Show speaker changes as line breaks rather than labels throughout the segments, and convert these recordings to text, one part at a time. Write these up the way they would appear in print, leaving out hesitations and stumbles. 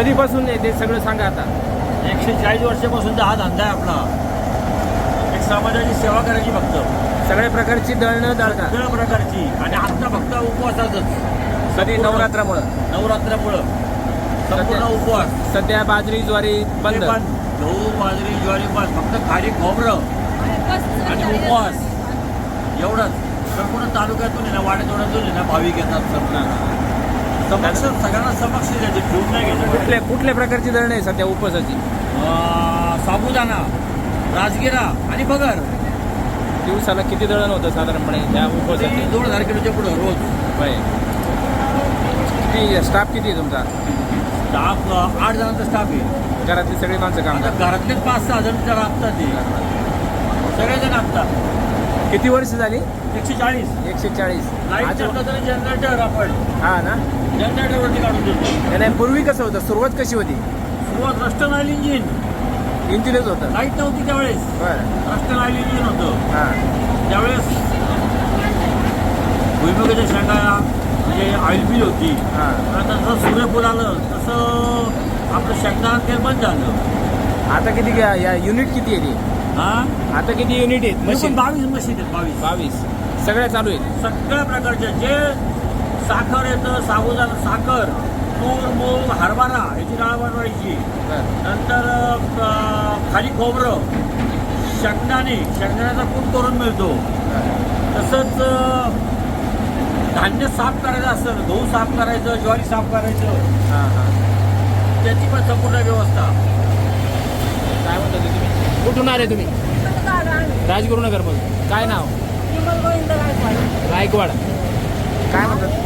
कधीपासून आहे ते सगळं सांगा आता.
140 वर्षापासून हा धंदा आहे आपला. एक समाजाची सेवा करायची फक्त.
सगळ्या प्रकारची दळणं दळता.
सगळ्या प्रकारची. आणि आता फक्त उपवासातच.
कधी नवरात्रामुळं.
नवरात्रामुळं संपूर्ण उपवास.
सध्या बाजरी ज्वारी बंद.
गहू बाजरी ज्वारी बंद. फक्त खाली खोबरं आणि उपवास एवढंच. संपूर्ण तालुक्यातून आहे ना, वाड्यातोड्यातून आहे ना भाविक येतात. समक्ष सगळ्यांना समक्ष द्यायचे, ठेवून नाही घ्यायचं.
कुठल्या प्रकारची दळण आहे सध्या उपवासाची?
साबुदाणा, राजगिरा आणि बगर.
दिवसाला किती दळण होतं साधारणपणे त्या उपवासाची?
2000 किलोच्या पुढं रोज.
होय. किती स्टाफ किती आहे तुमचा?
स्टाफ 8 जणांचा स्टाफ आहे.
घरातली सगळी माणसं काम करतात?
घरातलेच 5-6 जण जरा असतात ते. सगळेजण असतात.
किती वर्ष झाली?
140.
140.
लाईट चाललं तरी जनरेटर आपण.
हा ना,
जनरेटरवरती काढून देतो.
नाही पूर्वी कसं होतं? सुरुवात कशी होती?
सुरुवात रस्टन ऑइल इंजिन.
इंजिनच होतं.
लाईट नव्हती त्यावेळेस.
बरं.
रस्टन ऑइल इंजिन होतं.
हां.
त्यावेळेस भुईमुगाच्या शेंगा म्हणजे ऑइल बिल होती.
हां.
आता जसं सूर्यफूल आलं तसं आपलं शेंगदाणा तेल बंद झालं.
आता किती या युनिट किती आहे ती?
हां,
आता किती युनिट आहेत मशीन?
22 मशीन आहेत. 22
सगळ्या चालू आहेत.
सगळ्या प्रकारचे. जे साखर येतं, साबुदाणा, साखर, तूर, मूग, हरभरा याची डाळ बनवायची. नंतर खाली खोबरं, शेंगदाण्याचा कूट करून मिळतो. तसंच धान्य साफ करायचं असतं, गहू साफ करायचं, ज्वारी साफ करायचं.
हां हां.
त्याची पण संपूर्ण व्यवस्था.
काय म्हणता तुम्ही? कुठून आले तुम्ही? राजगुरुनगरमधून. काय नाव? गायकवाड. काय म्हणतात?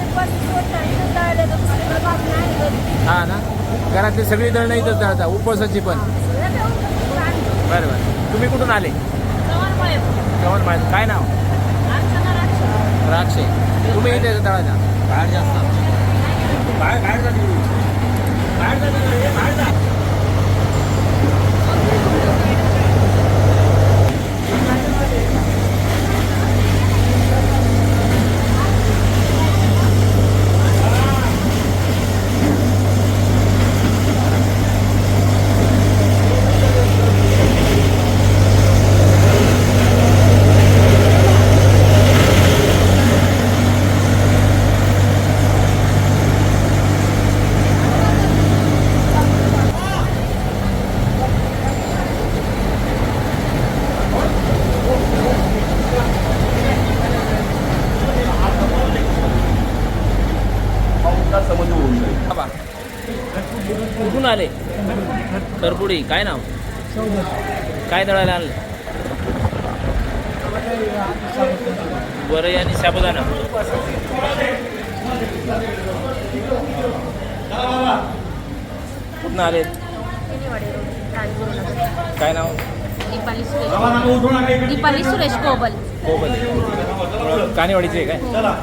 हा ना, घरातली सगळी दळणं इथंच दळता, उपवासाची पण. बरं बरं. तुम्ही कुठून आले? चव्हाण. काय नाव? राक्षे. तुम्ही इथे दळाचा?
बाहेर जास्त बाहेर जा.
कुठून आले? करपुडी. काय नाव? काय दळायला आणलं? वरई आणि साबुदाणा. कुठून आले? काय नाव?
दीपाली सुरेश कोबल.
कानेवाडीचे काय?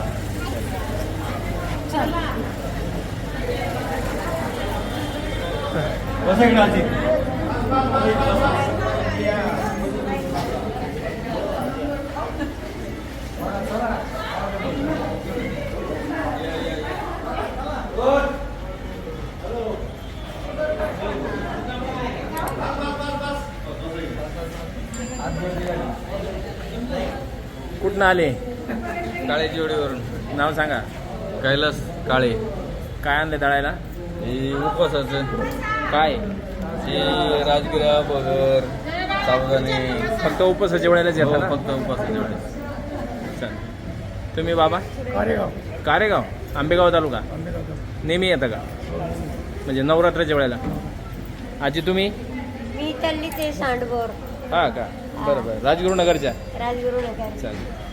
कुठून आले?
काळेजीवडीवरून.
नाव सांगा.
कैलास काळे.
काय आणले दळायला?
हे उपवासाचं.
काय?
हे राजगिरा, बगर, साबुदाणे.
फक्त उपवासाच्या वेळेलाच येतात ना?
फक्त उपवासाच्या वेळेस.
चल. तुम्ही बाबा? कारेगाव. आंबेगाव तालुका. नेहमी येतं का? म्हणजे नवरात्राच्या वेळेला. आजी तुम्ही?
मी तल्ली ते सांडगोर.
हा का? बरं बरं. राजगुरुनगरच्या.
राजगुरुनगर.
चालेल.